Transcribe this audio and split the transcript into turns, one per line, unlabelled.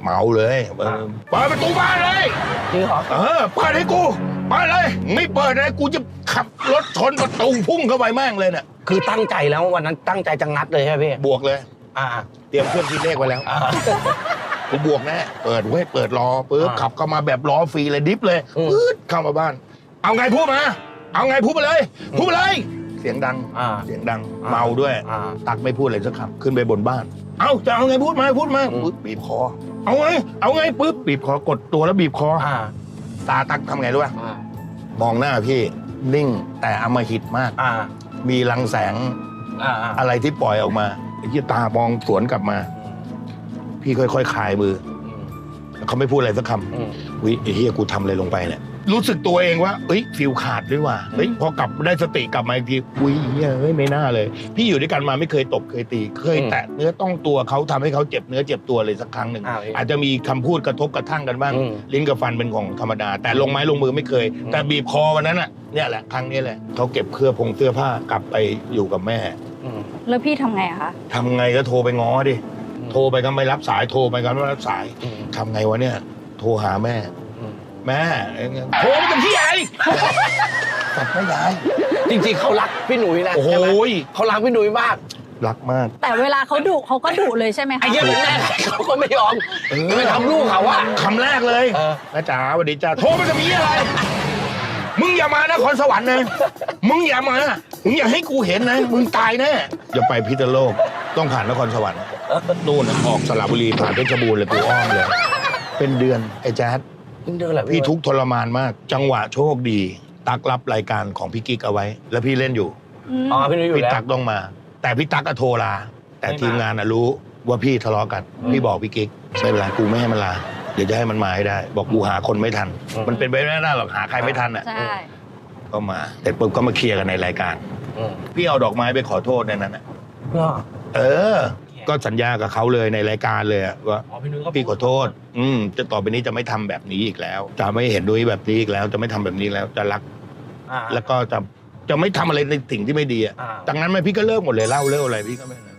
เมาเลยเปิดประตูบ้านเลย
จริงเหรอ
เปิดให้กูมาเลยไม่เปิดเลยกูจะขับรถชนประตูพุ่งเข้าไปแม่งเลยเนี่ย
คือตั้งใจแล้ววันนั้นตั้งใจจะงัดเลยใช่ไหมพี่
บวกเลยเตรียมเครื่องคิดเลขไว้แล้วกูบวกแน่เปิดเว้ยเปิดรอปึ๊บขับเข้ามาแบบล้อฟรีเลยดิฟเลยปึ๊ดเข้ามาบ้านเอาไงพูดมาเอาไงพูดมาเลยพูดมาเลยเสียงดังเมาด้วยตักไม่พูดอะไรสักคำขึ้นไปบนบ้านเอาจะเอาไงพูดมาปึ๊บบีบคอเอาไงปึ๊บบีบคอกดตัวแล้วบีบคอตาตักทำไงรู้ป่ะมองหน้าพี่นิ่งแต่อำมหิตมากมีรังแสงอะไรที่ปล่อยออกมาไอ้ที่ตามองสวนกลับมาพี่ค่อยๆคลายมือเขาไม่พูดอะไรสักคำวิไอ้เฮียกูทำอะไรลงไปเนี่ยรู้สึกตัวเองว่าฟิลขาดด้วยว่ะพอกลับได้สติกลับมาอีกทีไม่น่าเลยพี่อยู่ด้วยกันมาไม่เคยตบเคยตีเคยแตะเนื้อต้องตัวเขาทำให้เขาเจ็บเนื้อเจ็บตัวเลยสักครั้งหนึ่งอาจจะมีคำพูดกระทบกระทั่งกันบ้างลิ้นกับฟันเป็นของธรรมดาแต่ลงไม้ลงมือไม่เคยแต่บีบคอวันนั้นน่ะเนี่ยแหละครั้งนี้แหละเขาเก็บเสื้อผ้ากลับไปอยู่กับแม่
แล้วพี่ทำไงอะคะ
ทำไงก็โทรไปง้อดิโทรไปก็ไม่รับสายโทรไปก็ไม่รับสายทำไงวะเนี่ยโทรหาแม่โทรไปกับพี่ไอ้ตัดไม่ได้
จริงๆเขารักพี่หนุ่ยนะ
โอ้โห
เขารักพี่หนุ่ยมาก
รักมาก
แต่เวลาเขาดุเขาก็ดุเลยใช่ไหมคะ
ไอ้เหี้ยแม่เขาก็ไม่ยอมไม่ทำลูกเขาว่า
คำแรกเลยนะจ๋าสวัสดีจ้าโทรไปกับพี่อะไรมึงอย่ามานครสวรรค์นะมึงอย่ามามึงอย่าให้กูเห็นนะมึงตายแน่อย่าไปพิษณุโลกต้องผ่านนครสวรรค์นู่นออกสระบุรีผ่านเพชรบูรณ์เลยกูอ้อมเลยเป็นเดือนไอ้แจ๊ดพี่ทุกทรมานมากจังหวะโชคดีตักรับรายการของพี่กิ๊กเอาไว้แล้วพี่เล่นอยู่พี่ตักต้องมาแต่พี่ตักก็โทรลาแต่ทีมงานรู้ว่าพี่ทะเลาะกันพี่บอกพี่กิ๊กไม่เป็นไรกูไม่ให้มันลาเดี๋ยวจะให้มันมาให้ได้บอกกูหาคนไม่ทันมันเป็นไปไม่ได้หรอกหาใครไม่ทันอ่ะก็มาแต่ปุ๊บก็มาเคลียร์กันในรายการพี่เอาดอกไม้ไปขอโทษในนั้นก็สัญญากับเขาเลยในรายการเลยว่าพี่ขอโทษจะต่อไปนี้จะไม่ทำแบบนี้อีกแล้วจะไม่เห็นด้วยแบบนี้อีกแล้วจะไม่ทำแบบนี้แล้วจะรักแล้วก็จะไม่ทำอะไรในสิ่งที่ไม่ดีจากนั้นพี่ก็เลิกหมดเลยเล่าเลิกอะไรพี่ก็ไม่